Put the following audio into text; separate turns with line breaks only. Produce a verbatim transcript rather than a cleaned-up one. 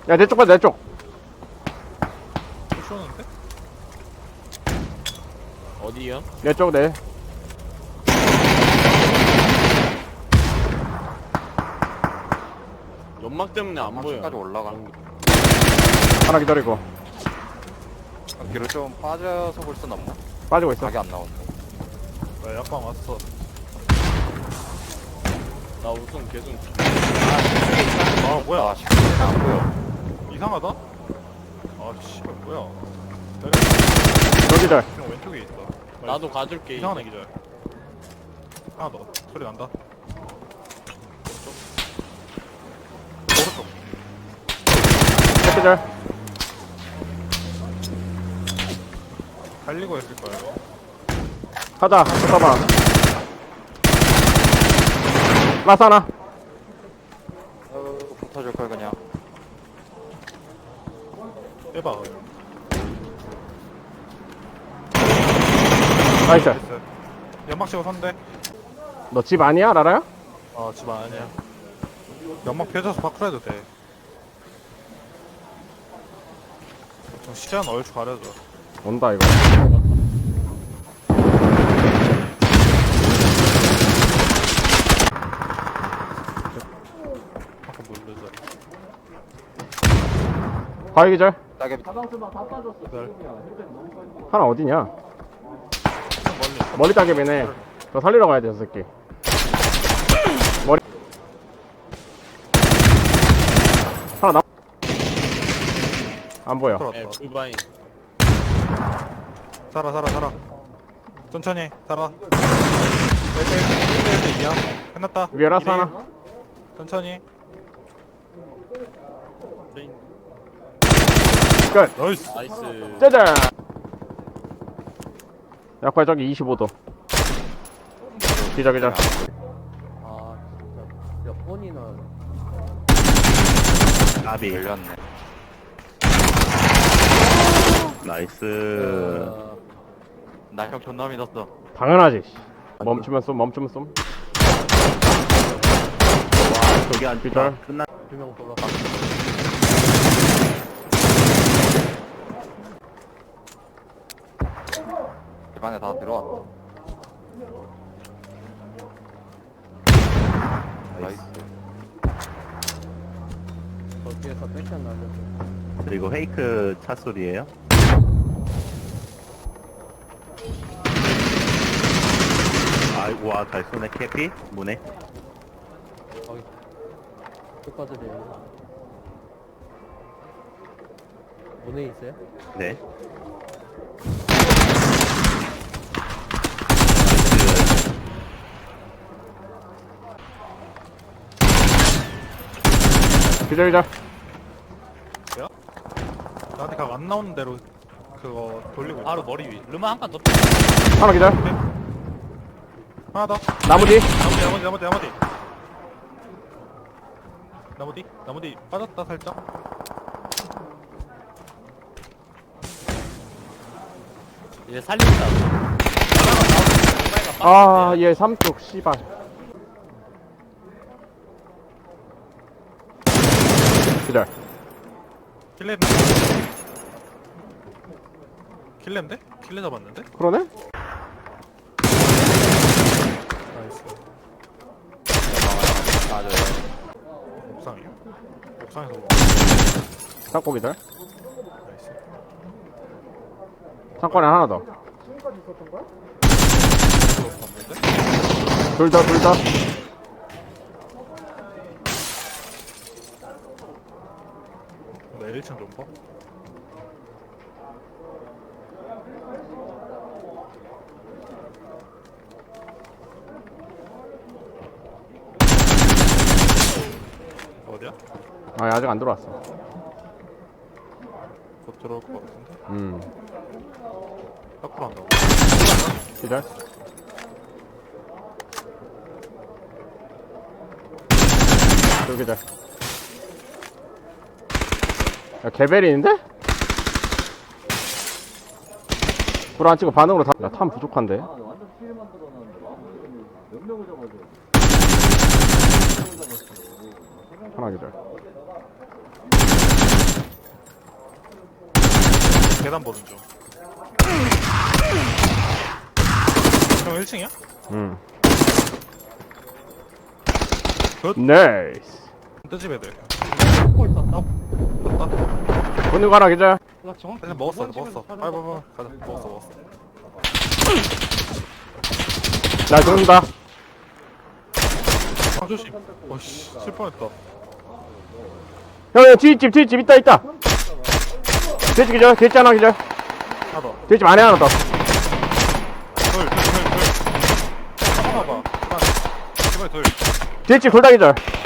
야, 내 쪽 봐, 내 쪽.
쏘는데?
어디요?
내 쪽, 내.
연막 때문에 안 보여.
까지 올라가는 게.
하나 기다리고.
뒤로 좀 빠져서 볼 순 없나?
빠지고 있어.
각이 안 나온다.
나 약간 왔어.
나 우선 계속
아 뭐야?
아, 시간이 안 보여.
이상하다? 아 씨발 뭐야?
여기들.
그냥 왼쪽에 있다.
나도 가줄게.
이상한 애기절. 하나 더 소리 난다. 오른쪽. 오른쪽.
새끼들.
달리고 있을 거야 이거.
가자, 붙어봐. 라스 하나.
어, 붙어줄 걸 그냥.
빼봐.
나이스.
나이스. 연막 치고 선대.
너 집 아니야, 라라야?
어 집안 아니야. 연막 펴져서 밖으로 해도 돼. 좀 시간 얼추 가려줘.
온다, 이거.
한번 누르자.
바위 기절.
따개비.
기다려.
하나 어디냐?
멀리.
머리 따개비네. 저 살리러 가야 돼, 저 새끼. 머리. 하나 남. 안 보여.
예,
들어왔다.
불바인.
살아 살아 살아. 천천히 살아. 일 대 이야. 끝났다.
위에 라스
일 대 일.
하나.
천천히.
끝.
나이스.
나이스.
짜잔. 약발 저기 이십오 도. 기절, 기절.
아 진짜 몇 번이나
나비
열렸네.
나이스.
어,
나 형 존나 믿었어.
당연하지. 멈추면 쏨, 멈추면 쏨.
와 저기 안
기절.
좋다. 끝나.
두명 돌아가
집안에 다 들어왔다. 나이스.
거기에서 패션 나죠.
그리고 페이크 차 소리예요. 아이고 와잘 쏘네. 캐피 문에.
거기 끝까지래요. 문에 있어요?
네.
기절, 기절.
나한테 각 안 나오는 대로 그거 돌리고 있어.
바로 머리 위. 르마 한 칸 더.
하나 기절.
하나 더.
나무 뒤.
나머지 나머지 나머지 나머지. 나머지 나머지 빠졌다 살짝.
이제 살린다.
아, 얘 삼쪽, 씨발. 기절.
킬레. 킬레인데? 킬레 잡았는데?
그러네?
나이스.
맞아요.
옥상이요? 옥상에서 뭐.
창고 기절.
나이스.
창고에 하나 더.
그거 봤는데?
둘 더, 둘 더.
나 일 층 좀 봐. 어디야?
아, 아직 안 들어왔어.
곧 들어올 것 같은데?
음.
밖으로 한다고.
기절. 둘 기절. 야, 개벨인데? 불 안 치고 반응으로 다. 야, 탐 부족한데?
완전 피해 만들어놨는데 몇 명을 잡아줘.
하나 기절.
계단 보는 중. 형 일 층이야?
응.
굿.
나이스.
뜨집 애들.
고 있었다.
건너 가라 기자.
나 정확히
일단 먹었어,
두
먹었어.
번씩은
빨리, 빨리, 빨리. 가자. 먹었어, 먹었어.
나 죽는다.
아, 조심. 어씨, 실뻔했다.
형 뒷집 뒷집 있다 있다. 뒷집 기자. 뒷집 하나 기자.
하나 더.
뒷집 안에 하나 더.
돌, 돌, 돌, 돌. 하나 봐. 하나. 제발 돌.
뒷집 둘 다 기자.